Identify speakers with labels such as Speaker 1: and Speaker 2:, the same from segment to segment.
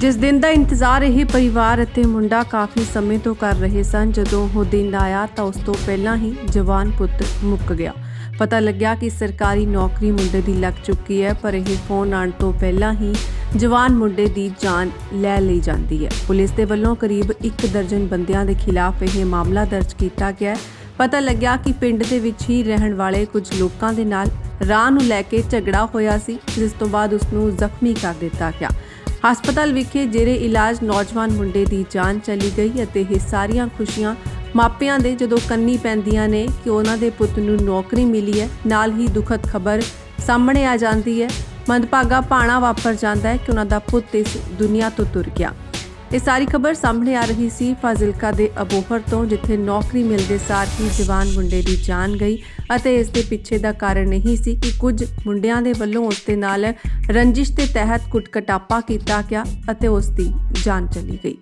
Speaker 1: ਜਿਸ ਦਿਨ ਦਾ ਇੰਤਜ਼ਾਰ ਇਹ ਪਰਿਵਾਰ ਅਤੇ ਮੁੰਡਾ ਕਾਫੀ ਸਮੇਂ ਤੋਂ ਕਰ ਰਹੇ ਸਨ। ਜਦੋਂ ਉਹ ਦਿਨ ਆਇਆ ਤਾਂ ਉਸ ਤੋਂ ਪਹਿਲਾਂ ਹੀ ਜਵਾਨ ਪੁੱਤ ਮੁੱਕ ਗਿਆ। ਪਤਾ ਲੱਗਿਆ ਕਿ ਸਰਕਾਰੀ ਨੌਕਰੀ ਮੁੰਡੇ ਦੀ ਲੱਗ ਚੁੱਕੀ ਹੈ, ਪਰ ਇਹ ਫੋਨ ਆਉਣ ਤੋਂ ਪਹਿਲਾਂ ਹੀ ਜਵਾਨ ਮੁੰਡੇ ਦੀ ਜਾਨ ਲੈ ਲਈ ਜਾਂਦੀ ਹੈ। ਪੁਲਿਸ ਦੇ ਵੱਲੋਂ ਕਰੀਬ 1 ਦਰਜਨ ਬੰਦਿਆਂ ਦੇ ਖਿਲਾਫ ਇਹ ਮਾਮਲਾ ਦਰਜ ਕੀਤਾ ਗਿਆ ਹੈ। ਪਤਾ ਲੱਗਿਆ ਕਿ ਪਿੰਡ ਦੇ ਵਿੱਚ ਹੀ ਰਹਿਣ ਵਾਲੇ ਕੁਝ ਲੋਕਾਂ ਦੇ ਨਾਲ ਰਾਹ ਨੂੰ ਲੈ ਕੇ ਝਗੜਾ ਹੋਇਆ ਸੀ, ਜਿਸ ਤੋਂ ਬਾਅਦ ਉਸ ਨੂੰ ਜ਼ਖਮੀ ਕਰ ਦਿੱਤਾ ਗਿਆ। ਹਸਪਤਾਲ ਵਿਖੇ ਜੇਰੇ ਇਲਾਜ ਨੌਜਵਾਨ ਮੁੰਡੇ ਦੀ ਜਾਨ ਚਲੀ ਗਈ ਅਤੇ ਇਹ ਸਾਰੀਆਂ ਖੁਸ਼ੀਆਂ ਮਾਪਿਆਂ ਦੇ ਜਦੋਂ ਕੰਨੀ ਪੈਂਦੀਆਂ ਨੇ ਕਿ ਉਹਨਾਂ ਦੇ ਪੁੱਤ ਨੂੰ ਨੌਕਰੀ ਮਿਲੀ ਹੈ, ਨਾਲ ਹੀ ਦੁਖਦ ਖਬਰ ਸਾਹਮਣੇ ਆ ਜਾਂਦੀ ਹੈ। ਮੰਦਭਾਗਾ ਭਾਣਾ ਵਾਪਰ ਜਾਂਦਾ ਹੈ ਕਿ ਉਹਨਾਂ ਦਾ ਪੁੱਤ ਇਸ ਦੁਨੀਆ ਤੋਂ ਤੁਰ ਗਿਆ। ਇਹ ਸਾਰੀ ਖਬਰ ਸਾਹਮਣੇ ਆ ਰਹੀ ਸੀ ਫਾਜ਼ਿਲਕਾ ਦੇ ਅਬੋਹਰ ਤੋਂ, ਜਿੱਥੇ ਨੌਕਰੀ ਮਿਲਦੇ ਸਾਰ ਹੀ ਜਵਾਨ ਮੁੰਡੇ ਦੀ ਜਾਨ ਗਈ ਅਤੇ ਇਸ ਦੇ ਪਿੱਛੇ ਦਾ ਕਾਰਨ ਇਹ ਸੀ ਕਿ ਕੁਝ ਮੁੰਡਿਆਂ ਦੇ ਵੱਲੋਂ ਉਸ ਦੇ ਨਾਲ ਰੰਜਿਸ਼ ਦੇ ਤਹਿਤ ਕੁੱਟ-ਕਟਾਪਾ ਕੀਤਾ ਗਿਆ ਅਤੇ ਉਸ ਦੀ ਜਾਨ ਚਲੀ ਗਈ।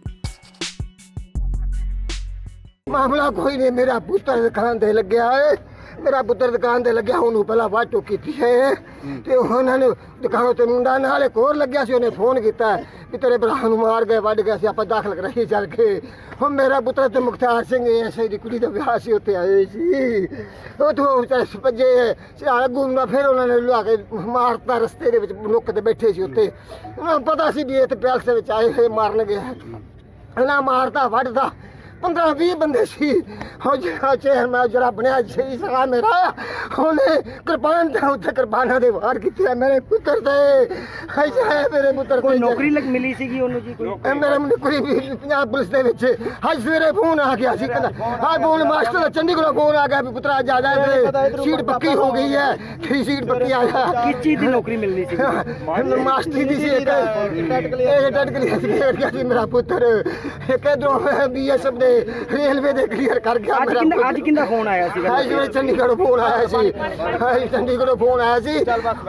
Speaker 2: ਮਾਮਲਾ ਕੋਈ ਨਹੀਂ, ਮੇਰਾ ਪੁੱਤਰ ਦੁਕਾਨ ਤੇ ਲੱਗਿਆ ਹੈ। ਮੇਰਾ ਪੁੱਤਰ ਦੁਕਾਨ ਤੇ ਲੱਗਿਆ, ਉਹਨੂੰ ਪਹਿਲਾਂ ਵਾਟੋ ਕੀਤੀ ਹੈ ਤੇ ਉਹਨਾਂ ਨੇ ਦੁਕਾਨ ਤੇ ਮੁੰਡਾ ਨਾਲ ਇੱਕ ਹੋਰ ਲੱਗਿਆ ਸੀ। ਉਹਨੇ ਫੋਨ ਕੀਤਾ ਕਿ ਤੇਰੇ ਭਰਾ ਨੂੰ ਮਾਰ ਗਏ, ਵੱਢ ਗਏ ਸੀ, ਆਪਾਂ ਦਾਖਲ ਕਰਾਈ ਚੱਲ ਕੇ। ਹੁਣ ਮੇਰਾ ਪੁੱਤਰ ਤੇ ਮੁਖਤਾਰ ਸਿੰਘ ਐਸੇ ਦੀ ਕੁੜੀ ਦਾ ਵਿਆਹ ਸੀ, ਉੱਥੇ ਆਏ ਸੀ। ਉੱਥੋਂ ਵਿਚਾਰੇ ਭੱਜੇ ਅੱਗੂ ਨਾ, ਫਿਰ ਉਹਨਾਂ ਨੇ ਲਿਆ ਕੇ ਮਾਰਤਾ। ਰਸਤੇ ਦੇ ਵਿੱਚ ਨੁੱਕ ਤੇ ਬੈਠੇ ਸੀ ਉੱਥੇ, ਉਹਨਾਂ ਨੂੰ ਪਤਾ ਸੀ ਵੀ ਇਹ ਤੇ ਪੈਲਸ ਦੇ ਵਿੱਚ ਆਏ ਹੋਏ ਮਾਰਨਗੇ। ਇਹਨਾਂ ਮਾਰਤਾ, ਵੱਢਦਾ। 15-20 ਬੰਦੇ ਸੀ। ਉਹ ਜਿਹੜਾ ਚੇਅਰਮੈਨ ਜਿਹੜਾ ਬਣਿਆ ਸਹੀ ਸਗਾ ਮੇਰਾ, ਉਹਨੇ ਕਿਰਪਾਨ ਤੇ ਉੱਥੇ ਕਿਰਪਾਨਾਂ ਦੇ ਵਾਰ ਕੀਤੇ ਮੇਰੇ ਪੁੱਤਰ ਤੇ। ਹਾਏ ਮੇਰੇ ਪੁੱਤਰ
Speaker 3: ਕੋਈ ਨੌਕਰੀ ਮਿਲੀ ਸੀਗੀ ਉਹਨੂੰ ਜੀ? ਕੋਈ
Speaker 2: ਮੇਰੇ ਮੁੰਡੇ ਕੋਈ ਪੰਜਾਬ ਪੁਲਿਸ ਦੇ ਵਿੱਚ ਅੱਜ ਸਵੇਰੇ ਫੋਨ ਆ ਗਿਆ ਸੀ, ਕਹਿੰਦਾ ਹਾਂ ਫੋਨ ਮਾਸਟਰ ਦਾ ਚੰਡੀਗੜ੍ਹੋਂ ਫੋਨ ਆ ਗਿਆ ਵੀ ਪੁੱਤਰਾ ਜਾ ਜਾ ਤੇ ਸੀਟ ਪੱਕੀ ਹੋ ਗਈ ਹੈ, ਤੇਰੀ ਸੀਟ ਪੱਕੀ ਆ ਜਾ।
Speaker 3: ਕਿਸ ਚੀਜ਼ ਦੀ ਨੌਕਰੀ ਮਿਲਣੀ ਸੀ?
Speaker 2: ਮਾਸਟਰੀ ਦੀ ਸੀ। ਇਹ ਟੈਕਨੀਕਲ ਸੀ ਮੇਰਾ ਪੁੱਤਰ। ਇੱਕ ਇਧਰੋਂ BSF ਦੇ ਰੇਲਵੇ ਦੇ ਕਲੀਅਰ ਕਰ ਗਿਆ।
Speaker 3: ਅੱਜ ਕਿੰਦਾ ਫੋਨ ਆਇਆ ਸੀਗਾ?
Speaker 2: ਅੱਜ ਮੇਰੇ ਚੰਡੀਗੜ੍ਹੋਂ ਫੋਨ ਆਇਆ ਸੀ। ਚੰਡੀਗੜ੍ਹੋਂ ਫੋਨ ਆਇਆ ਸੀ,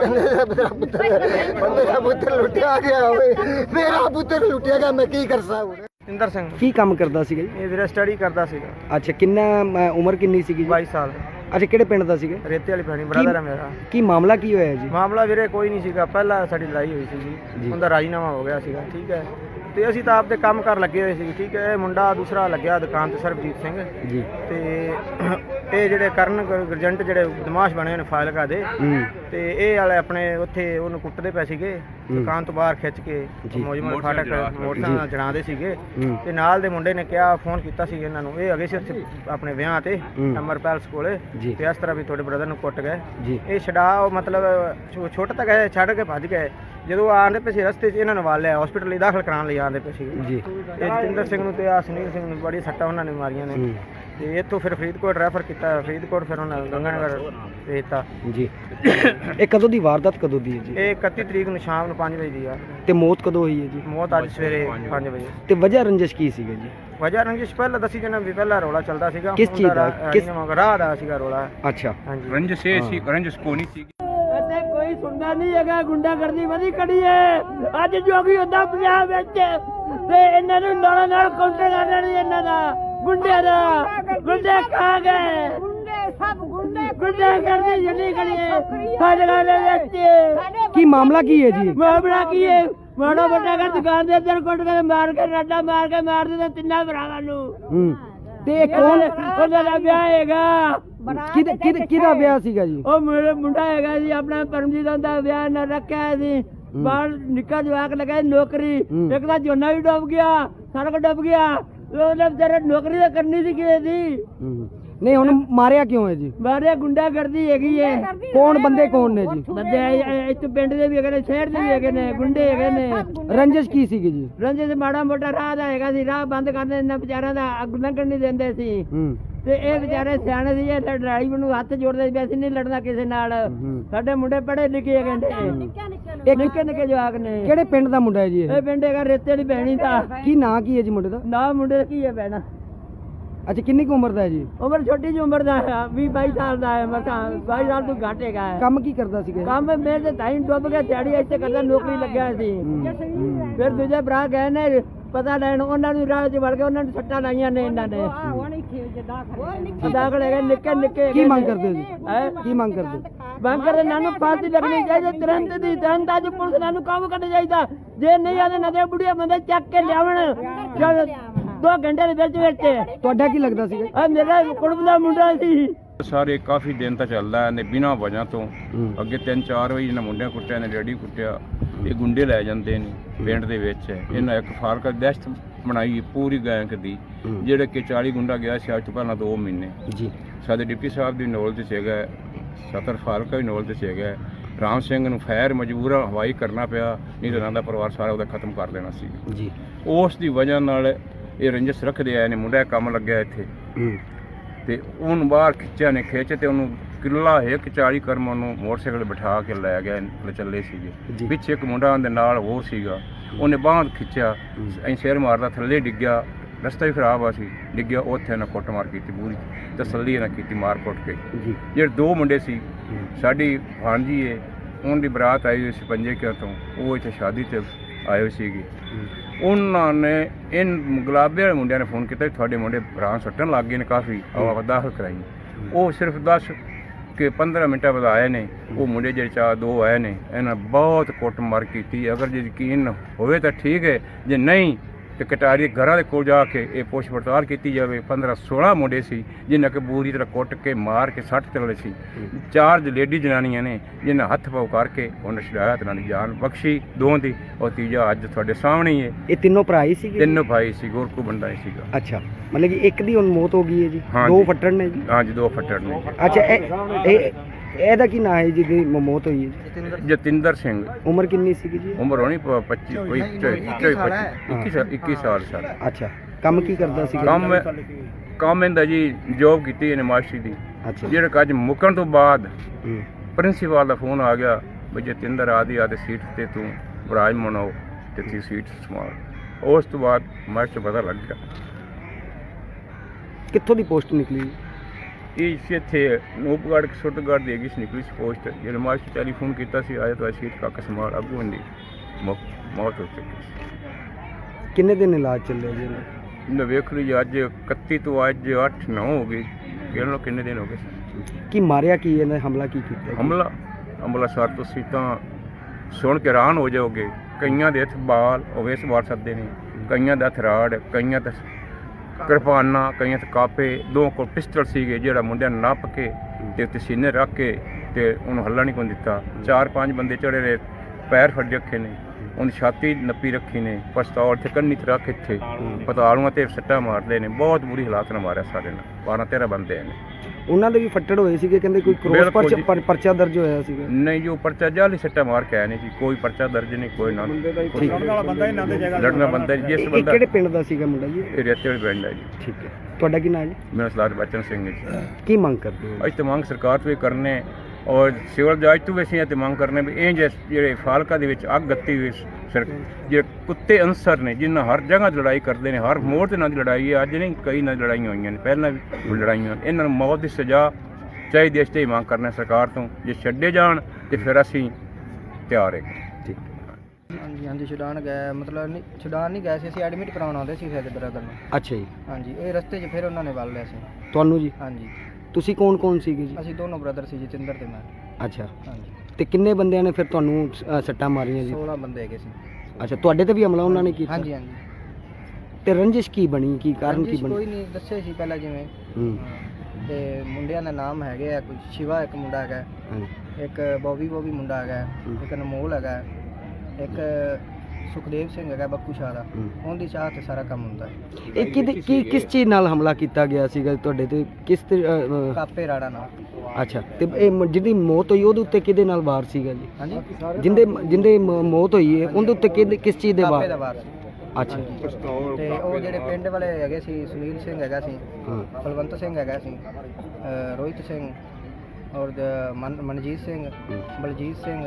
Speaker 2: ਮੇਰਾ ਪੁੱਤਰ ਲੁੱਟਿਆ ਗਿਆ ਹੋਵੇ, ਮੇਰਾ ਪੁੱਤਰ ਲੁੱਟਿਆ ਗਿਆ, ਮੈਂ ਕੀ ਕਰ ਸਕਦਾ।
Speaker 3: ਇੰਦਰ ਸਿੰਘ ਕੀ ਕੰਮ ਕਰਦਾ ਸੀਗਾ ਜੀ? ਇਹ ਵੀਰੇ ਸਟੱਡੀ ਕਰਦਾ ਸੀਗਾ। ਅੱਛਾ, ਕਿੰਨਾ ਉਮਰ ਕਿੰਨੀ ਸੀਗੀ? 22 ਸਾਲ। ਅੱਛਾ, ਕਿਹੜੇ ਪਿੰਡ ਦਾ ਸੀਗਾ? ਰੇਤੇ ਵਾਲੀ ਪੈਣੀ, ਬ੍ਰਦਰ ਹੈ ਮੇਰਾ। ਕੀ ਮਾਮਲਾ ਕੀ ਹੋਇਆ ਜੀ? ਮਾਮਲਾ ਵੀਰੇ ਕੋਈ ਨਹੀਂ ਸੀਗਾ, ਪਹਿਲਾਂ ਸਾਡੀ ਲੜਾਈ ਹੋਈ ਸੀ ਜੀ, ਉਹਦਾ ਰਾਜੀਨਾਮਾ ਹੋ ਗਿਆ ਸੀਗਾ, ਠੀਕ ਹੈ। ਤੇ ਅਸੀਂ ਤਾਂ ਆਪਦੇ ਕੰਮ ਕਰ ਲੱਗੇ ਹੋਏ ਸੀ, ਠੀਕ ਹੈ। ਇਹ ਮੁੰਡਾ ਦੂਸਰਾ ਲੱਗਿਆ ਦੁਕਾਨ ਤੇ, ਸਰਬਜੀਤ ਸਿੰਘ ਜੀ। ਤੇ ਇਹ ਜਿਹੜੇ ਕਰਨ ਗਰਜੰਟ ਜਿਹੜੇ ਬਦਮਾਸ਼ ਬਣੇ ਨੇ ਫਾਜ਼ਿਲਕਾ ਦੇ, ਤੇ ਇਹ ਵਾਲੇ ਆਪਣੇ ਉੱਥੇ ਉਹਨੂੰ ਕੁੱਟਦੇ ਪਏ ਸੀਗੇ ਦੁਕਾਨ ਤੋਂ ਬਾਹਰ ਖਿੱਚ ਕੇ, ਮੌਜੂਦ ਫਾਟਕ ਮੋਟਰਸਾਈਕਲ ਨਾਲ ਚੜਾਉਂਦੇ ਸੀਗੇ। ਤੇ ਨਾਲ ਦੇ ਮੁੰਡੇ ਨੇ ਕਿਹਾ, ਫੋਨ ਕੀਤਾ ਸੀ ਇਹਨਾਂ ਨੂੰ, ਇਹ ਅਗੇ ਸੀ ਉੱਥੇ ਆਪਣੇ ਵਿਆਹ ਤੇ ਅਮਰ ਪੈਲਸ ਕੋਲੇ, ਤੇ ਇਸ ਤਰ੍ਹਾਂ ਵੀ ਤੁਹਾਡੇ ਬ੍ਰਦਰ ਨੂੰ ਕੁੱਟ ਗਏ। ਇਹ ਛਡਾ ਮਤਲਬ ਛੁੱਟ ਤਾਂ ਗਏ, ਛੱਡ ਕੇ ਭੱਜ ਗਏ। ਜਦੋਂ ਆਉਂਦੇ ਪਏ ਸੀ ਰਸਤੇ 'ਚ ਇਹਨਾਂ ਨੂੰ ਵਾਲ ਲਿਆ, ਹਸਪੀਟਲ ਲਈ ਦਾਖਲ ਕਰਾਉਣ ਲਈ ਆਉਂਦੇ ਪਏ ਸੀ ਜੀ। ਇਹ ਜਤਿੰਦਰ ਸਿੰਘ ਨੂੰ ਤੇ ਆ ਸੁਨੀਲ ਸਿੰਘ ਨੂੰ ਬੜੀ ਸੱਟਾਂ ਉਹਨਾਂ ਨੇ ਮਾਰੀਆਂ ਨੇ। ਤੇ ਇੱਥੋਂ ਫਿਰ ਫਰੀਦਕੋਟ ਰੈਫਰ ਕੀਤਾ, ਫਰੀਦਕੋਟ ਫਿਰ ਉਹਨਾਂ ਗੰਗਾਨਗਰ ਭੇਜਤਾ ਜੀ। ਇਹ ਕਦੋਂ ਦੀ ਵਾਰਦਾਤ ਕਦੋਂ ਦੀ ਹੈ ਜੀ? ਇਹ 31 ਤਰੀਕ ਨੂੰ ਸ਼ਾਮ ਨੂੰ 5 ਵਜੇ ਦੀ ਆ। ਤੇ ਮੌਤ ਕਦੋਂ ਹੋਈ ਹੈ ਜੀ? ਮੌਤ ਅੱਜ ਸਵੇਰੇ 5 ਵਜੇ। ਤੇ ਵਜ੍ਹਾ ਰੰਜਿਸ਼ ਕੀ ਸੀਗਾ ਜੀ? ਵਜ੍ਹਾ ਰੰਜਿਸ਼ ਪਹਿਲਾਂ ਦੱਸੀ ਜਨਾ ਵੀ ਪਹਿਲਾਂ ਰੌਲਾ ਚੱਲਦਾ ਸੀਗਾ। ਕਿਸ ਚੀਜ਼ ਦਾ? ਕਿਸ ਰਾਹ ਦਾ ਸੀਗਾ ਰੌਲਾ? ਅੱਛਾ, ਹਾਂਜੀ। ਰੰਜਿਸ਼ ਇਹ ਸੀ, ਰੰਜਿਸ਼ ਕੋਣੀ ਸੀ।
Speaker 4: ਇੱਥੇ ਕੋਈ ਸੁਣਦਾ ਨਹੀਂ ਹੈਗਾ, ਗੁੰਡਾਗਰਦੀ ਵਧੀ ਖੜੀ ਹੈ। ਅੱਜ ਜੋਗੀ ਹੁੰਦਾ ਪੰਜਾਬ ਵਿੱਚ, ਤੇ ਇਹਨਾਂ ਨੂੰ ਨਾਲ ਕਾਊਂਟਰ ਕਰਨਾ ਨਹੀਂ ਇਹਨਾਂ ਦਾ, ਗੁੰਡਿਆਂ ਦਾ। ਗੁੰਡੇ ਖਾ ਗਏ, ਗੁੰਡੇ ਕਰਦੀ ਜੰਨੀ ਖੜੀ ਹੈ ਫਾਜ਼ਿਲਕਾ ਦੇ ਵਿੱਚ। ਕੀ ਮਾਮਲਾ ਕੀ ਹੈ ਜੀ? ਮਾਮਲਾ ਕੀ ਹੈ? ਮਾੜਾ ਮੋਟਾ ਕਰ ਦੁਕਾਨ ਦੇ ਅੰਦਰ ਕੁੱਟ ਕੇ ਮਾਰ ਕੇ ਰਾਡਾ ਮਾਰ ਕੇ ਮਾਰ ਦਿੰਦੇ ਤਿੰਨਾਂ ਭਰਾਵਾਂ ਨੂੰ। ਤੇ ਕੌਣ ਉਹਨਾਂ ਦਾ ਵਿਆਹ ਹੈਗਾ? ਕਿਹਦਾ ਵਿਆਹ ਸੀਗਾ ਜੀ? ਉਹ ਮੇਰੇ ਮੁੰਡਾ ਹੈਗਾ ਜੀ, ਆਪਣਾ ਪਰਮਜੀਤ ਦਾ ਵਿਆਹ ਨਾ ਰੱਖਿਆ ਸੀ। ਬਾਹਰ ਨਿੱਕਾ ਜਵਾਕ ਲਗਾਇਆ ਨੌਕਰੀ, ਇੱਕ ਤਾਂ ਝੋਨਾ ਵੀ ਡੁੱਬ ਗਿਆ, ਸਾਰਾ ਕੁਝ ਡੁੱਬ ਗਿਆ। ਉਹਨੇ ਵਿਚਾਰੇ ਨੌਕਰੀ ਤਾਂ ਕਰਨੀ ਸੀ ਕਿਸੇ ਦੀ। ਨਹੀਂ, ਹੁਣ ਮਾਰਿਆ ਕਿਉਂ ਹੈ ਜੀ? ਮਾਰਿਆ ਗੁੰਡਾਗਰਦੀ ਹੈਗੀ ਹੈ। ਕੌਣ ਬੰਦੇ ਕੌਣ ਨੇ ਜੀ? ਬੰਦੇ ਇੱਥੇ ਪਿੰਡ ਦੇ ਵੀ ਹੈਗੇ ਨੇ, ਸ਼ਹਿਰ ਦੇ ਵੀ ਹੈਗੇ ਨੇ, ਗੁੰਡੇ ਹੈਗੇ ਨੇ। ਰੰਜਿਸ਼ ਕੀ ਸੀਗੀ ਜੀ? ਰੰਜਿਸ਼ ਮਾੜਾ ਮੋਟਾ ਰਾਹ ਦਾ ਹੈਗਾ ਸੀ, ਰਾਹ ਬੰਦ ਕਰ ਦਿੰਦੇ ਵਿਚਾਰਿਆਂ ਦਾ, ਅੱਗ ਲੰਘਣ ਨਹੀਂ ਦਿੰਦੇ ਸੀ। ਤੇ ਇਹ ਵਿਚਾਰੇ ਸਿਆਣੇ ਸੀ, ਇਹ ਲੜਾਈ ਨੂੰ ਹੱਥ ਜੋੜਦੇ ਸੀ, ਅਸੀਂ ਨਹੀਂ ਲੜਨਾ ਕਿਸੇ ਨਾਲ। ਸਾਡੇ ਮੁੰਡੇ ਪੜ੍ਹੇ ਲਿਖੇ ਹੈਗੇ ਨੇ, ਨਿੱਕੇ ਨਿੱਕੇ ਜਵਾਕ ਨੇ। ਕਿਹੜੇ ਪਿੰਡ ਦਾ ਮੁੰਡਾ ਹੈ ਜੀ ਇਹ? ਪਿੰਡ ਹੈਗਾ ਰੇਤੇ ਵਾਲੀ ਪੈਣੀ ਦਾ। ਕੀ ਨਾਂ ਕੀ ਹੈ ਜੀ ਮੁੰਡੇ ਦਾ? ਨਾਂ ਮੁੰਡੇ ਦਾ ਕੀ ਹੈ ਭੈਣਾ? ਅੱਛਾ, ਕਿੰਨੀ ਕੁ ਉਮਰ ਦਾ ਹੈ ਜੀ? ਉਮਰ ਛੋਟੀ ਜਿਹੀ ਉਮਰ ਦਾ ਹੈ, 20-22 ਸਾਲ ਦਾ ਹੈ। ਮਸਾਂ 22 ਸਾਲ ਤੋਂ ਘੱਟ ਹੈਗਾ। ਕੰਮ ਕੀ ਕਰਦਾ ਸੀਗਾ? ਕੰਮ ਮੇਰੇ ਤਾਈ ਡੁੱਬ ਗਿਆ, ਦਿਹਾੜੀ ਇੱਥੇ ਕਰਦਾ, ਨੌਕਰੀ ਲੱਗਿਆ ਸੀ। ਫਿਰ ਦੂਜੇ ਭਰਾ ਗਏ ਨੇ ਪਤਾ ਲੈਣ ਉਹਨਾਂ ਨੂੰ ਰਾਹ 'ਚ ਵੜ ਕੇ ਉਹਨਾਂ ਨੂੰ ਸੱਟਾਂ ਲਾਈਆਂ ਨੇ ਇਹਨਾਂ ਨੇ ਦਾਖਲ ਹੈਗੇ ਨਿੱਕੇ ਨਿੱਕੇ।
Speaker 3: ਕੀ ਮੰਗ ਕਰਦੇ ਹੋ ਜੀ?
Speaker 4: ਹੈ
Speaker 3: ਕੀ ਮੰਗ ਕਰਦੇ ਹੋ?
Speaker 4: ਬੰਕਰ ਇਹਨਾਂ ਨੂੰ ਫਾਂਸੀ ਲੱਗਣੀ ਚਾਹੀਦੀ ਤੁਰੰਤ ਦੀ। ਤੁਰੰਤ ਅੱਜ ਪੁਲਿਸ ਇਹਨਾਂ ਨੂੰ ਕੰਮ ਕਰਨਾ ਚਾਹੀਦਾ। ਜੇ ਨਹੀਂ ਆਦੇ ਨਦੇ ਬੁੜੀਆਂ ਬੰਦੇ ਚੱਕ ਕੇ ਲਿਆਵਣ 2 ਘੰਟੇ ਦੇ ਵਿੱਚ।
Speaker 3: ਤੁਹਾਡਾ ਕੀ ਲੱਗਦਾ ਸੀਗਾ?
Speaker 4: ਆ ਮੇਰਾ ਕੁੜਮ ਦਾ ਮੁੰਡਾ ਸੀ।
Speaker 5: ਸਾਰੇ ਕਾਫੀ ਦਿਨ ਤਾਂ ਚੱਲਦਾ ਹੈ ਨੇ ਬਿਨਾਂ ਵਜ੍ਹਾ ਤੋਂ। ਅੱਗੇ 3-4 ਵਜੇ ਇਹਨਾਂ ਮੁੰਡਿਆਂ ਕੁੱਟਿਆ ਨੇ, ਰੇੜੀ ਕੁੱਟਿਆ। ਇਹ ਗੁੰਡੇ ਲੈ ਜਾਂਦੇ ਨੇ ਪਿੰਡ ਦੇ ਵਿੱਚ। ਇਹਨਾਂ ਇੱਕ ਫਾਰਕ ਦਹਿਸ਼ਤ ਬਣਾਈ ਪੂਰੀ ਗੈਂਗ ਦੀ, ਜਿਹੜੇ ਕਿ 40 ਗੁੰਡਾ ਗਿਆ ਸੀ ਅੱਜ ਤੋਂ ਪਹਿਲਾਂ 2 ਮਹੀਨੇ
Speaker 3: ਜੀ।
Speaker 5: ਸਾਡੇ ਡਿਪਟੀ ਸਾਹਿਬ ਦੀ ਨੌਲੇਜ 'ਚ ਹੈਗਾ, ਸਤਰ ਫਾਰਕਾ ਵੀ ਨੌਲੇਜ 'ਚ ਹੈਗਾ। ਰਾਮ ਸਿੰਘ ਨੂੰ ਫੈਰ ਮਜਬੂਰਾ ਹਵਾਈ ਕਰਨਾ ਪਿਆ, ਨਹੀਂ ਤਾਂ ਇਹਨਾਂ ਦਾ ਪਰਿਵਾਰ ਸਾਰਾ ਉਹਦਾ ਖਤਮ ਕਰ ਦੇਣਾ ਸੀ
Speaker 3: ਜੀ।
Speaker 5: ਉਸ ਦੀ ਵਜ੍ਹਾ ਨਾਲ ਇਹ ਰੰਜਸ ਰੱਖਦੇ ਆਏ ਨੇ। ਮੁੰਡਾ ਕੰਮ ਲੱਗਿਆ ਇੱਥੇ ਤੇ ਉਹਨੂੰ ਬਾਹਰ ਖਿੱਚਿਆ ਨੇ, ਖਿੱਚ ਤੇ ਉਹਨੂੰ ਕਿੱਲਾ 40 ਕਰਮ ਉਹਨੂੰ ਮੋਟਰਸਾਈਕਲ ਬਿਠਾ ਕੇ ਲੈ ਗਏ, ਚੱਲੇ ਸੀਗੇ। ਪਿੱਛੇ ਇੱਕ ਮੁੰਡਾ ਉਹਦੇ ਨਾਲ ਹੋਰ ਸੀਗਾ, ਉਹਨੇ ਬਾਂਹ ਖਿੱਚਿਆ, ਐਂ ਸਿਰ ਮਾਰਦਾ ਥੱਲੇ ਡਿੱਗਿਆ। ਰਸਤਾ ਵੀ ਖਰਾਬ ਆ ਸੀ, ਡਿੱਗਿਆ ਉੱਥੇ ਇਹਨਾਂ ਕੁੱਟਮਾਰ ਕੀਤੀ, ਪੂਰੀ ਤਸੱਲੀ ਇਹਨਾਂ ਕੀਤੀ ਮਾਰ ਕੁੱਟ ਕੇ। ਜਿਹੜੇ 2 ਮੁੰਡੇ ਸੀ, ਸਾਡੀ ਭਾਣਜੀ ਏ, ਉਹਨਾਂ ਦੀ ਬਰਾਤ ਆਈ ਹੋਈ ਸੀ ਪੰਜੇਕਿਆਂ ਤੋਂ, ਉਹ ਇੱਥੇ ਸ਼ਾਦੀ ਤੇ ਆਏ ਹੋਏ ਸੀਗੇ। ਉਹਨਾਂ ਨੇ ਗੁਲਾਬੇ ਵਾਲੇ ਮੁੰਡਿਆਂ ਨੇ ਫੋਨ ਕੀਤਾ ਤੁਹਾਡੇ ਮੁੰਡੇ ਭਰਾ ਸੱਟਣ ਲੱਗ ਗਏ ਨੇ, ਕਾਫੀ ਆਵਾਜ਼ ਦਾਖਲ ਕਰਾਈ। ਉਹ ਸਿਰਫ 10 ਕਿ 15 ਮਿੰਟਾਂ ਬਾਅਦ ਆਏ ਨੇ। ਉਹ ਮੁੰਡੇ ਜਿਹੜੇ 2 ਆਏ ਨੇ, ਇਹਨਾਂ ਬਹੁਤ ਕੁੱਟਮਾਰ ਕੀਤੀ। ਅਗਰ ਜੇ ਯਕੀਨ ਹੋਵੇ ਤਾਂ ਠੀਕ ਹੈ, ਜੇ ਨਹੀਂ ਤੇ ਕਟਾਰੀ ਘਰਾਂ ਦੇ ਕੋਲ ਜਾ ਕੇ ਇਹ ਪੁੱਛ ਪੜਤਾਲ ਕੀਤੀ ਜਾਵੇ। 15-16 ਮੁੰਡੇ ਸੀ ਜਿਨ੍ਹਾਂ ਕਿ ਬੂਰੀ ਤਰ੍ਹਾਂ ਕੁੱਟ ਕੇ ਮਾਰ ਕੇ ਸੱਟ ਚੱਲੇ ਸੀ। 4 ਲੇਡੀ ਜਨਾਨੀਆਂ ਨੇ ਜਿਨ੍ਹਾਂ ਹੱਥ ਪਾਉ ਕਰਕੇ ਉਹਨਾਂ ਛਡਾਇਆ ਤੇ ਉਹਨਾਂ ਦੀ ਜਾਨ ਬਖਸ਼ੀ 2 ਦੀ। ਉਹ ਤੀਜਾ ਅੱਜ ਤੁਹਾਡੇ ਸਾਹਮਣੇ ਹੀ ਹੈ।
Speaker 3: ਇਹ ਤਿੰਨੋਂ ਭਰਾ ਹੀ ਸੀਗੇ?
Speaker 5: 3 ਭਾਈ ਸੀ, ਗੋਰਕੂ ਬੰਦਾ ਹੀ ਸੀਗਾ।
Speaker 3: ਅੱਛਾ, ਮਤਲਬ ਕਿ ਇੱਕ ਦੀ ਹੁਣ ਮੌਤ ਹੋ ਗਈ ਹੈ ਜੀ, 2 ਫੱਟੜ ਨੇ ਜੀ?
Speaker 5: ਹਾਂਜੀ, 2 ਫੱਟੜ ਨੇ।
Speaker 3: ਅੱਛਾ, ਇਹਦਾ ਕੀ ਨਾਂ ਹੈ ਜਿਹਦੀ ਮੌਤ ਹੋਈ ਹੈ ਜੀ?
Speaker 5: ਜਤਿੰਦਰ ਸਿੰਘ।
Speaker 3: ਉਮਰ ਕਿੰਨੀ ਸੀਗੀ ਜੀ?
Speaker 5: ਉਮਰ ਹੋਣੀ 21 ਸਾਲ ਸਰ।
Speaker 3: ਅੱਛਾ, ਕੰਮ ਕੀ ਕਰਦਾ ਸੀ?
Speaker 5: ਕੰਮ ਇਹਦਾ ਜੀ ਜੋਬ ਕੀਤੀ ਇਹਨੇ ਮਾਸਟਰੀ ਦੀ।
Speaker 3: ਅੱਛਾ।
Speaker 5: ਜਿਹੜਾ ਅੱਜ ਮੁੱਕਣ ਤੋਂ ਬਾਅਦ ਪ੍ਰਿੰਸੀਪਲ ਦਾ ਫੋਨ ਆ ਗਿਆ ਵੀ ਜਤਿੰਦਰ ਆਦੀ ਸੀਟ ਤੇ ਤੂੰ ਵਿਰਾਜਮਾਨ ਹੋ ਤੇ ਤੀ ਸੀਟ ਸੰਭਾਲ। ਉਸ ਤੋਂ ਬਾਅਦ ਮਾਸਟਰ ਪਤਾ ਲੱਗ ਗਿਆ।
Speaker 3: ਕਿੱਥੋਂ ਦੀ ਪੋਸਟ ਨਿਕਲੀ?
Speaker 5: ਇਹ ਇੱਥੇ ਨੂਪਗੜ੍ਹ ਸੁਰਤਗੜ੍ਹ ਦੀ ਹੈਗੀ ਸੀ, ਨਿਕਲੀ ਸੀ ਪੋਸਟ। ਜਿਹੜੇ ਮਾਸਟਰ ਟੈਲੀਫੋਨ ਕੀਤਾ ਸੀ ਆਇਆ ਤਾਂ ਸੀਟ ਕੱਕ ਸੰਭਾਲ, ਅੱਗੋਂ ਹੁੰਦੀ ਮੌਤ ਹੋ ਚੁੱਕੀ ਸੀ।
Speaker 3: ਕਿੰਨੇ ਦਿਨ ਇਲਾਜ ਚੱਲਿਆ ਜੀ?
Speaker 5: ਇਹਨੇ ਵੇਖ ਲਈ ਅੱਜ 31 ਤੋਂ ਅੱਜ 8-9 ਹੋ ਗਏ, ਕਿਹਨਾਂ ਕਿੰਨੇ ਦਿਨ ਹੋ ਗਏ।
Speaker 3: ਕੀ ਮਾਰਿਆ ਕੀ ਇਹਨੇ, ਹਮਲਾ ਕੀ ਕੀਤਾ?
Speaker 5: ਹਮਲਾ ਸਰ ਤੁਸੀਂ ਤਾਂ ਸੁਣ ਕੇ ਹੈਰਾਨ ਹੋ ਜਾਓਗੇ। ਕਈਆਂ ਦੇ ਹੱਥ ਬਾਲ ਹੋਵੇ ਸਵਾਰ ਸਕਦੇ ਨੇ, ਕਈਆਂ ਦਾ ਹੱਥ ਰਾੜ, ਕਈਆਂ ਦਾ ਕਿਰਪਾਨਾਂ, ਕਈਆਂ ਤੇ ਕਾਪੇ। 2 ਕੋਲ ਪਿਸਟਲ ਸੀਗੇ, ਜਿਹੜਾ ਮੁੰਡਿਆਂ ਨੂੰ ਨੱਪ ਕੇ ਤੇ ਉੱਤੇ ਸੀਨੇ ਰੱਖ ਕੇ ਤੇ ਉਹਨੂੰ ਹੱਲਾ ਨਹੀਂ ਕੋਈ ਦਿੱਤਾ। 4-5 ਬੰਦੇ ਚੜੇ ਰਹੇ, ਪੈਰ ਫੜ ਰੱਖੇ ਨੇ, ਉਹਦੀ ਛਾਤੀ ਨੱਪੀ ਰੱਖੀ ਨੇ, ਪਿਸਤੌਲ ਤੇ ਕੰਨੀ ਤੇ ਰੱਖ ਇੱਥੇ ਪਤਾਲੂਆਂ ਤੇ ਸੱਟਾਂ ਮਾਰਦੇ ਨੇ। ਬਹੁਤ ਬੁਰੀ ਹਾਲਾਤ ਨਾਲ ਮਾਰਿਆ ਸਾਡੇ ਨਾਲ। 12-13 ਬੰਦੇ ਨੇ।
Speaker 3: ਉਹਨਾਂ ਦੇ ਵੀ ਫੱਟੜ ਹੋਏ ਸੀਗੇ ਕਹਿੰਦੇ, ਕੋਈ ਕ੍ਰੋਸ ਪਰਚਾ ਦਰਜ ਹੋਇਆ ਸੀਗਾ?
Speaker 5: ਨਹੀਂ, ਜੋ ਪਰਚਾ ਜਾਲੀ ਸੱਟਾਂ ਮਾਰ ਕੇ ਆਏ ਨੇ ਜੀ, ਕੋਈ ਪਰਚਾ ਦਰਜ ਨਹੀਂ, ਕੋਈ ਨਾ ਲੜਨਾ ਬੰਦਾ ਜਿਸ ਬੰਦਾ।
Speaker 3: ਕਿਹੜੇ ਪਿੰਡ ਦਾ ਸੀਗਾ ਮੁੰਡਾ ਜੀ?
Speaker 5: ਇਹ ਰੇਤੇ ਵਾਲੇ ਪਿੰਡ ਹੈ ਜੀ।
Speaker 3: ਠੀਕ ਹੈ, ਤੁਹਾਡਾ ਕੀ ਨਾਮ ਜੀ?
Speaker 5: ਮੇਰਾ ਸਰਦਾਰ ਬਚਨ ਸਿੰਘ ਹੈ ਜੀ।
Speaker 3: ਕੀ ਮੰਗ ਕਰਦੇ ਹੋ?
Speaker 5: ਅੱਜ ਤਾਂ ਮੰਗ ਸਰਕਾਰ ਤੋਂ ਵੀ ਕਰਨੇ ਔਰ ਸਿਵਲ ਜੱਜ ਤੋਂ ਵੀ ਅਸੀਂ ਤੇ ਮੰਗ ਕਰਨੇ ਵੀ ਇਹ ਜਿਹੜੇ ਫਾਲਕਾ ਦੇ ਵਿੱਚ ਅੱਗ ਗੱਤੀ ਹੋਈ ਜਿਹੜੇ ਕੁੱਤੇ ਅਨਸਰ ਨੇ ਜਿਨ੍ਹਾਂ ਹਰ ਜਗ੍ਹਾ ਲੜਾਈ ਕਰਦੇ ਨੇ, ਹਰ ਮੋੜ ਤੇ ਨਾਲ ਦੀ ਲੜਾਈ ਹੈ। ਅੱਜ ਨਹੀਂ, ਕਈ ਨਾਲ ਲੜਾਈਆਂ ਹੋਈਆਂ ਨੇ, ਪਹਿਲਾਂ ਵੀ ਲੜਾਈਆਂ। ਇਹਨਾਂ ਨੂੰ ਮੌਤ ਦੀ ਸਜ਼ਾ ਚਾਹੀਦੀ ਹੈ, ਇਸ ਤੇ ਮੰਗ ਕਰਨਾ ਸਰਕਾਰ ਤੋਂ। ਜੇ ਛੱਡੇ ਜਾਣ ਤੇ ਫਿਰ ਅਸੀਂ ਤਿਆਰ ਹੈ।
Speaker 3: ਠੀਕ।
Speaker 6: ਹਾਂਜੀ, ਛੁਡਾਣ ਗਏ, ਮਤਲਬ ਨਹੀਂ ਛੁਡਾਣ ਨਹੀਂ ਗਏ ਸੀ, ਅਸੀਂ ਐਡਮਿਟ ਕਰਾਉਣ ਆਉਂਦੇ ਸੀ ਸਾਡੇ ਬ੍ਰਦਰ ਨੂੰ।
Speaker 3: ਅੱਛਾ ਜੀ।
Speaker 6: ਹਾਂਜੀ, ਇਹ ਰਸਤੇ 'ਚ ਫਿਰ ਉਹਨਾਂ ਨੇ ਵੱਲ ਲਿਆ ਸੀ
Speaker 3: ਤੁਹਾਨੂੰ ਜੀ?
Speaker 6: ਹਾਂਜੀ।
Speaker 3: ਤੁਸੀਂ ਕੌਣ ਸੀਗੇ ਜੀ?
Speaker 6: ਅਸੀਂ ਦੋਨੋਂ ਬ੍ਰਦਰ ਸੀ, ਜਤਿੰਦਰ ਤੇ ਮੈਂ।
Speaker 3: ਅੱਛਾ।
Speaker 6: ਹਾਂਜੀ।
Speaker 3: ਤੇ ਕਿੰਨੇ ਬੰਦਿਆਂ ਨੇ ਫਿਰ ਤੁਹਾਨੂੰ ਸੱਟਾਂ ਮਾਰੀਆਂ ਜੀ?
Speaker 6: 16 ਬੰਦੇ ਹੈਗੇ ਸੀ।
Speaker 3: ਅੱਛਾ, ਤੁਹਾਡੇ ਤੇ ਵੀ ਹਮਲਾ ਉਹਨਾਂ ਨੇ ਕੀਤਾ?
Speaker 6: ਹਾਂਜੀ।
Speaker 3: ਤੇ ਰੰਜਿਸ਼ ਕੀ ਬਣੀ, ਕੀ ਕਾਰਨ ਕੀ ਬਣੀ?
Speaker 6: ਕੋਈ ਨਹੀਂ ਦੱਸੇ ਸੀ ਪਹਿਲਾਂ ਜਿਵੇਂ। ਤੇ ਮੁੰਡਿਆਂ ਦਾ ਨਾਮ ਹੈਗੇ ਆ, ਕੋਈ ਸ਼ਿਵਾ ਇੱਕ ਮੁੰਡਾ ਹੈਗਾ, ਇੱਕ ਬੋਬੀ ਮੁੰਡਾ ਹੈਗਾ, ਇੱਕ ਅਨਮੋਲ ਹੈਗਾ, ਇੱਕ ਸੁਖਦੇਵ ਸਿੰਘ ਹੈਗਾ ਬੱਕੂ ਸ਼ਾਹ ਦਾ। ਉਹਦੀ ਚਾਹ ਤੇ ਸਾਰਾ ਕੰਮ ਹੁੰਦਾ ਹੈ।
Speaker 3: ਇਹ ਕਿਸ ਚੀਜ਼ ਨਾਲ ਹਮਲਾ ਕੀਤਾ ਗਿਆ ਸੀਗਾ ਤੁਹਾਡੇ ਤੇ? ਕਿਸ ਤੇ?
Speaker 6: ਕਾਪੇ ਰਾੜਾ ਨਾਲ।
Speaker 3: ਅੱਛਾ, ਤੇ ਇਹ ਜਿਹਦੀ ਮੌਤ ਹੋਈ ਉਹਦੇ ਉੱਤੇ ਕਿਹਦੇ ਨਾਲ ਵਾਰ ਸੀਗਾ ਜੀ?
Speaker 6: ਹਾਂਜੀ।
Speaker 3: ਜਿੰਦੇ ਮੌਤ ਹੋਈ ਹੈ ਉਹਦੇ ਉੱਤੇ ਕਿਸ ਚੀਜ਼ ਦੇ
Speaker 6: ਕਾਪੇ ਦਾ
Speaker 3: ਵਾਰ?
Speaker 6: ਵਾਰ।
Speaker 3: ਅੱਛਾ।
Speaker 6: ਤੇ ਉਹ ਜਿਹੜੇ ਪਿੰਡ ਵਾਲੇ ਹੈਗੇ ਸੀ, ਸੁਨੀਲ ਸਿੰਘ ਹੈਗਾ ਸੀ, ਬਲਵੰਤ ਸਿੰਘ ਹੈਗਾ ਸੀ, ਰੋਹਿਤ ਸਿੰਘ ਔਰ ਮਨਜੀਤ ਸਿੰਘ, ਬਲਜੀਤ ਸਿੰਘ,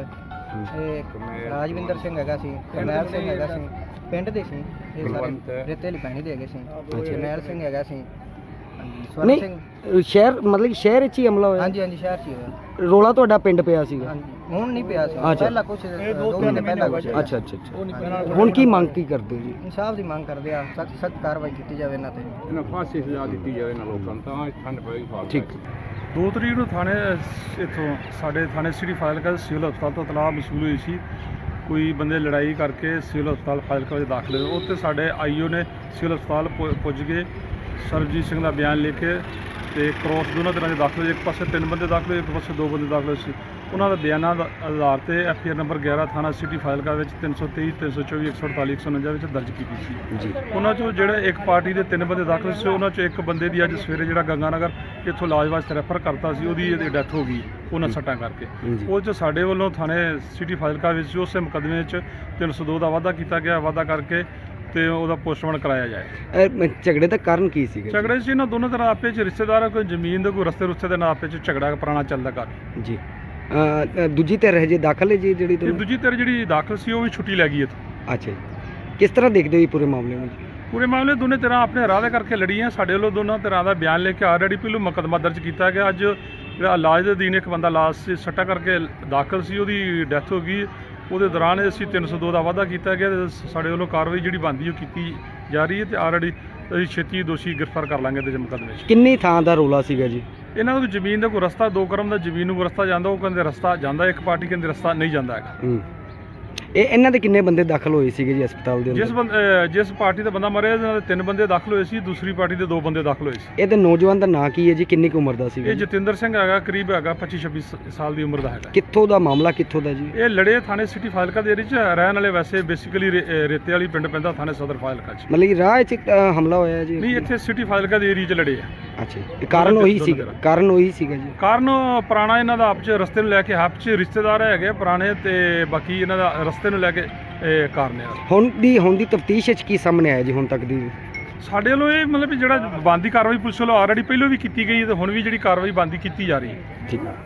Speaker 6: ਰਾਜਵਿੰਦਰ ਸਿੰਘ ਹੈਗਾ ਸੀ, ਕਰਨੈਲ ਸਿੰਘ ਹੈਗਾ ਸੀ, ਪਿੰਡ ਦੇ ਸੀ ਇਹ ਸਾਰੇ, ਰੇਤੇ ਵਾਲੀ ਪੈਣੀ ਦੇ ਹੈਗੇ ਸੀ। ਜਰਨੈਲ ਸਿੰਘ ਹੈਗਾ ਸੀ, ਸਵਰਨ
Speaker 3: ਨਹੀਂ
Speaker 6: ਸਿੰਘ।
Speaker 3: ਸ਼ਹਿਰ ਮਤਲਬ ਕਿ ਸ਼ਹਿਰ ਵਿੱਚ ਹੀ ਹਮਲਾ ਹੋਇਆ?
Speaker 6: ਹਾਂਜੀ ਹਾਂਜੀ, ਸ਼ਹਿਰ 'ਚ ਹੀ ਹੋਇਆ।
Speaker 3: ਰੋਲਾ ਤੁਹਾਡਾ ਪਿੰਡ ਪਿਆ ਸੀਗਾ?
Speaker 6: ਹਾਂਜੀ, ਹੁਣ ਨਹੀਂ ਪਿਆ ਸੀ,
Speaker 3: ਅੱਛਾ।
Speaker 6: ਪਹਿਲਾਂ ਕੁਝ 2 ਮਹੀਨੇ ਪਹਿਲਾਂ ਕੁਝ।
Speaker 3: ਅੱਛਾ ਅੱਛਾ ਅੱਛਾ। ਹੁਣ ਕੀ ਮੰਗ ਕੀ ਕਰਦੇ ਹੋ ਜੀ?
Speaker 6: ਇਨਸਾਫ ਦੀ ਮੰਗ ਕਰਦੇ ਆ, ਸਖਤ ਕਾਰਵਾਈ ਕੀਤੀ ਜਾਵੇ ਇਹਨਾਂ ਤੇ।
Speaker 5: ਇਹਨਾਂ ਫਾਂਸੀ ਸਜ਼ਾ ਦਿੱਤੀ ਜਾਵੇ ਇਹਨਾਂ ਲੋਕਾਂ ਨੂੰ, ਤਾਂ ਠੰਡ ਪਏਗੀ ਫਾਲਤੂ।
Speaker 3: ਠੀਕ।
Speaker 7: 2 ਤਰੀਕ ਨੂੰ ਥਾਣੇ ਇੱਥੋਂ ਸਾਡੇ ਥਾਣੇ ਸਿਟੀ ਫਾਜ਼ਿਲਕਾ ਸਿਵਲ ਹਸਪਤਾਲ ਤੋਂ ਇਤਲਾਹ ਮਸੂਲ ਹੋਈ ਸੀ ਕੋਈ ਬੰਦੇ ਲੜਾਈ ਕਰਕੇ ਸਿਵਲ ਹਸਪਤਾਲ ਫਾਜ਼ਿਲਕਾ ਵਿੱਚ ਦਾਖਲ ਹੋਏ। ਉੱਥੇ ਸਾਡੇ ਆਈਓ ਨੇ ਸਿਵਲ ਹਸਪਤਾਲ ਪੁੱਜ ਕੇ ਸਰਬਜੀਤ ਸਿੰਘ ਦਾ ਬਿਆਨ ਲਿਖ ਕੇ ਤੇ ਕ੍ਰੋਸ ਦੋਨਾਂ ਤਰ੍ਹਾਂ ਦੇ ਦਾਖਲ ਹੋਏ। ਇੱਕ ਪਾਸੇ 3 ਬੰਦੇ ਦਾਖਲ ਹੋਏ, ਇੱਕ ਪਾਸੇ 2 ਬੰਦੇ ਦਾਖਲ ਹੋਏ ਸੀ। ਉਹਨਾਂ ਦਾ ਬਿਆਨਾਂ ਦਾ ਆਧਾਰ ਤੇ FIR ਨੰਬਰ 11 ਥਾਣਾ ਸਿਟੀ ਫਾਜ਼ਿਲਕਾ ਵਿੱਚ 323 324 148 149 ਵਿੱਚ ਦਰਜ ਕੀਤੀ ਸੀ
Speaker 3: ਜੀ।
Speaker 7: ਉਹਨਾਂ ਚੋਂ ਜਿਹੜੇ ਇੱਕ ਪਾਰਟੀ ਦੇ 3 ਬੰਦੇ ਦਾਖਲ ਸੀ, ਉਹਨਾਂ ਚੋਂ ਇੱਕ ਬੰਦੇ ਦੀ ਅੱਜ ਸਵੇਰੇ ਜਿਹੜਾ ਗੰਗਾਨਗਰ ਇੱਥੋਂ ਇਲਾਜ ਵਾਸਤੇ ਰੈਫਰ ਕਰਤਾ ਸੀ, ਉਹਦੀ ਡੈਥ ਹੋ ਗਈ ਉਹਨਾਂ ਸੱਟਾਂ ਕਰਕੇ।
Speaker 3: ਜੀ।
Speaker 7: ਉਹ 'ਚ ਸਾਡੇ ਵੱਲੋਂ ਥਾਣੇ ਸਿਟੀ ਫਾਜ਼ਿਲਕਾ ਵਿੱਚ ਉਸੇ ਮੁਕੱਦਮੇ 'ਚ 302 ਦਾ ਵਾਅਦਾ ਕੀਤਾ ਗਿਆ, ਵਾਅਦਾ ਕਰਕੇ ਤੇ ਉਹਦਾ ਪੋਸਟਮਾਰਟਮ ਕਰਾਇਆ ਜਾਏ।
Speaker 3: ਝਗੜੇ ਦਾ ਕਾਰਨ ਕੀ ਸੀਗਾ?
Speaker 7: ਝਗੜੇ ਸੀ ਇਹਨਾਂ ਦੋਨੋਂ ਤਰ੍ਹਾਂ ਆਪੇ 'ਚ ਰਿਸ਼ਤੇਦਾਰ ਆ, ਕੋਈ ਜ਼ਮੀਨ ਦੇ ਕੋਈ ਰਸਤੇ ਦੇ ਨਾਲ ਆਪੇ 'ਚ ਝਗੜਾ ਪੁਰਾਣਾ ਚੱਲਦਾ ਕਰ।
Speaker 3: ਜੀ। ਦੂਜੀ ਧਿਰ ਹਜੇ ਦਾਖਲ ਹੈ ਜੀ ਜਿਹੜੀ
Speaker 7: ਤੇ ਦੂਜੀ ਧਿਰ ਜਿਹੜੀ ਦਾਖਲ ਸੀ ਉਹ ਵੀ ਛੁੱਟੀ ਲੈ ਗਈ ਇੱਥੋਂ।
Speaker 3: ਅੱਛਾ ਜੀ। ਕਿਸ ਤਰ੍ਹਾਂ ਦੇਖਦੇ ਹੋ ਜੀ ਪੂਰੇ ਮਾਮਲੇ ਨੂੰ?
Speaker 7: ਪੂਰੇ ਮਾਮਲੇ ਦੋਨੇ ਤਰ੍ਹਾਂ ਆਪਣੇ ਰਾਹ ਦੇ ਕਰਕੇ ਲੜੀਆਂ। ਸਾਡੇ ਵੱਲੋਂ ਦੋਨਾਂ ਤਰ੍ਹਾਂ ਦਾ ਬਿਆਨ ਲੈ ਕੇ ਆਲਰੇਡੀ ਪਹਿਲੋਂ ਮੁਕੱਦਮਾ ਦਰਜ ਕੀਤਾ ਗਿਆ। ਅੱਜ ਜਿਹੜਾ ਇਲਾਜ ਦੇ ਅਧੀਨ ਇੱਕ ਬੰਦਾ ਲਾਸ਼ 'ਚ ਸੱਟਾਂ ਕਰਕੇ ਦਾਖਲ ਸੀ, ਉਹਦੀ ਡੈਥ ਹੋ ਗਈ। ਉਹਦੇ ਦੌਰਾਨ ਅਸੀਂ 302 ਦਾ ਵਾਅਦਾ ਕੀਤਾ ਗਿਆ ਤੇ ਸਾਡੇ ਵੱਲੋਂ ਕਾਰਵਾਈ ਜਿਹੜੀ ਬਣਦੀ ਉਹ ਕੀਤੀ ਜਾ ਰਹੀ ਹੈ ਤੇ ਆਲਰੇਡੀ ਅਸੀਂ ਛੇਤੀ ਦੋਸ਼ੀ ਗ੍ਰਿਫਤਾਰ ਕਰ ਲਾਂਗੇ ਇਹਦੇ ਮੁਕੱਦਮੇ 'ਚ।
Speaker 3: ਕਿੰਨੀ ਥਾਂ ਦਾ ਰੋਲਾ ਸੀਗਾ ਜੀ?
Speaker 7: ਇਹਨਾਂ ਨੂੰ ਜ਼ਮੀਨ ਦਾ ਕੋਈ ਰਸਤਾ 2 ਕਰਮ ਦਾ ਜ਼ਮੀਨ ਨੂੰ ਕੋਈ ਰਸਤਾ ਜਾਂਦਾ, ਉਹ ਕਹਿੰਦੇ ਰਸਤਾ ਜਾਂਦਾ, ਇੱਕ ਪਾਰਟੀ ਕਹਿੰਦੇ ਰਸਤਾ ਨਹੀਂ ਜਾਂਦਾ ਹੈਗਾ।
Speaker 3: ਇਹਨਾਂ ਦੇ ਕਿੰਨੇ ਬੰਦੇ ਦਾਖਲ ਹੋਏ ਸੀਗੇ ਜੀ ਹਸਪਤਾਲ ਦੇ ਅੰਦਰ?
Speaker 7: ਜਿਸ ਪਾਰਟੀ ਦਾ ਬੰਦਾ ਮਰਿਆ ਇਹਨਾਂ ਦੇ 3 ਬੰਦੇ ਦਾਖਲ ਹੋਏ ਸੀ, ਦੂਸਰੀ ਪਾਰਟੀ ਦੇ 2 ਬੰਦੇ ਦਾਖਲ ਹੋਏ ਸੀ।
Speaker 3: ਇਹਦੇ ਨੌਜਵਾਨ ਦਾ ਨਾਂ ਕੀ ਹੈ ਜੀ? ਕਿੰਨੀ ਕੁ ਉਮਰ ਦਾ ਸੀਗਾ?
Speaker 7: ਇਹ ਜਤਿੰਦਰ ਸਿੰਘ ਹੈਗਾ, ਕਰੀਬ ਹੈਗਾ 25-26 ਸਾਲ ਦੀ ਉਮਰ ਦਾ ਹੈਗਾ।
Speaker 3: ਕਿੱਥੋਂ ਦਾ ਮਾਮਲਾ, ਕਿੱਥੋਂ ਦਾ ਜੀ?
Speaker 7: ਇਹ ਲੜੇ ਥਾਣੇ ਸਿਟੀ ਫਾਜ਼ਿਲਕਾ ਦੇ ਏਰੀਏ 'ਚ ਰਹਿਣ ਵਾਲੇ, ਵੈਸੇ ਬੇਸਿਕਲੀ ਰੇਤੇ ਵਾਲੀ ਪਿੰਡ ਪੈਂਦਾ ਥਾਣੇ ਸਦਰ ਫਾਜ਼ਿਲਕਾ 'ਚ।
Speaker 3: ਮਤਲਬ ਕਿ ਰਾਹ 'ਚ ਹਮਲਾ ਹੋਇਆ ਜੀ?
Speaker 7: ਨਹੀਂ, ਇੱਥੇ ਸਿਟੀ ਫਾਜ਼ਿਲਕਾ ਦੇ ਏਰੀਏ 'ਚ ਲੜੇ ਆ।
Speaker 3: ਅੱਛਾ ਜੀ। ਕਾਰਨ ਉਹੀ ਸੀਗਾ? ਕਾਰਨ ਉਹੀ ਸੀਗਾ ਜੀ?
Speaker 7: ਕਾਰਨ ਪੁਰਾਣਾ ਇਹਨਾਂ ਦਾ ਆਪਸ 'ਚ ਰਸਤੇ ਨੂੰ ਲੈ ਕੇ ਆਪਸ 'ਚ ਰਿਸ਼ਤੇਦਾਰ ਹੈਗੇ ਪੁਰਾਣੇ, ਤੇ ਬਾਕੀ ਇਹਨਾਂ ਦਾ ਰਸਤੇ ਨੂੰ ਲੈ ਕੇ ਇਹ ਕਾਰਨ ਹੈ।
Speaker 3: ਹੁਣ ਦੀ ਤਫਤੀਸ਼ ਵਿੱਚ ਕੀ ਸਾਹਮਣੇ ਆਇਆ ਜੀ ਹੁਣ ਤੱਕ ਦੀ?
Speaker 7: ਸਾਡੇ ਵੱਲੋਂ ਇਹ ਮਤਲਬ ਵੀ ਜਿਹੜਾ ਬਣਦੀ ਕਾਰਵਾਈ ਪੁਲਿਸ ਵੱਲੋਂ ਆਲਰੇਡੀ ਪਹਿਲਾਂ ਵੀ ਕੀਤੀ ਗਈ ਹੈ ਤੇ ਹੁਣ ਵੀ ਜਿਹੜੀ ਕਾਰਵਾਈ ਬਣਦੀ ਕੀਤੀ ਜਾ ਰਹੀ ਹੈ।
Speaker 3: ਠੀਕ ਹੈ।